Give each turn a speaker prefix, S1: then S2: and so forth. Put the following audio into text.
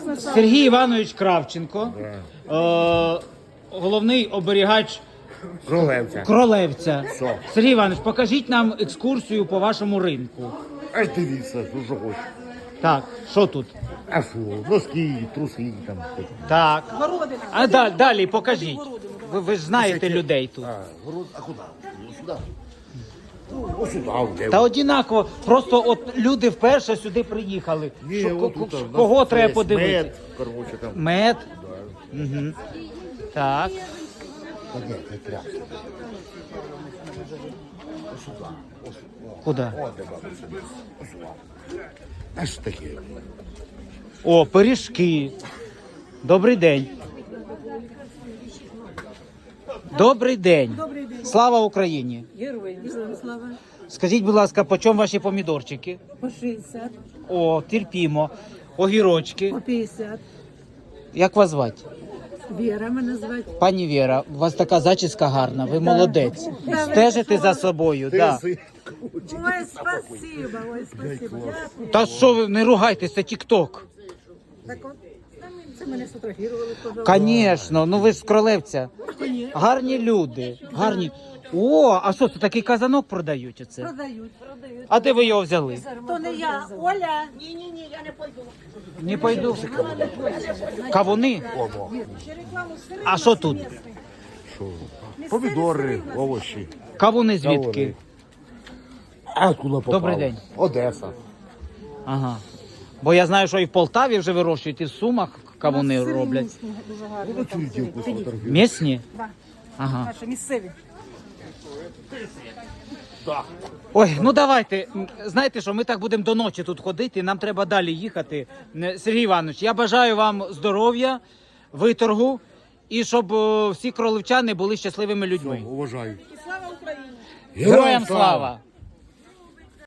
S1: Сергій Іванович Кравченко, головний оберігач Кролевця.
S2: Що?
S1: Сергій Іванович, покажіть нам екскурсію по вашому ринку.
S2: Аж дивіться, що хочеш.
S1: Так, що тут?
S2: А що, носки, труси там.
S1: Так. А далі покажіть. Ви ж знаєте людей тут.
S2: А куди? Сюди. Ось сюди, де?
S1: Та однаково, просто от люди вперше сюди приїхали.
S2: Ні,
S1: Що,
S2: отут,
S1: кого
S2: у нас
S1: треба
S2: є
S1: подивитися?
S2: Мед, короче, там.
S1: Мед. Угу. Так.
S2: Та ні, не треба. Ось сюди. Ось.
S1: Куди?
S2: О, де бабуся. Ось сюди. А що таке?
S1: О, пиріжки. Добрий день. Добрий день. Слава Україні.
S3: Героям слава.
S1: Скажіть, будь ласка, по чому ваші помідорчики?
S3: По 60,
S1: О, терпімо. Огірочки.
S3: по 50.
S1: Як вас звати?
S3: Віра мене звати.
S1: Пані Віра, у вас така зачіска гарна, ви молодець. Стежите за собою, да.
S3: Ой, спасибо, ой, спасибо. Дякую.
S1: Та що ви не ругайтесь, це тік-ток.
S3: Так от, це мене сфотографували, пожалуйста.
S1: Звісно, ну ви ж з Кролевця. Гарні люди, гарні. О, а що, це такий казанок продають оце?
S3: Продають.
S1: А де ви його взяли?
S3: То не я, Оля. Ні, я не пойду.
S1: Не пойду. Кавуни? А що тут?
S2: Помідори, овочі.
S1: Кавуни звідки?
S2: А куди попав?
S1: Добрий день.
S2: Одеса.
S1: Ага. Бо я знаю, що і в Полтаві вже вирощують, і в Сумах кавуни роблять.
S3: Дуже гарно.
S2: Ну, цю дівку сфотографію.
S1: Місні?
S3: Да.
S1: Ага.
S3: Наші місцеві.
S1: Ой, ну давайте. Знаєте що, ми так будемо до ночі тут ходити, нам треба далі їхати. Сергій Іванович, я бажаю вам здоров'я, виторгу і щоб всі кролевчани були щасливими людьми.
S2: Уважаю.
S3: Слава Україні!
S1: Героям слава!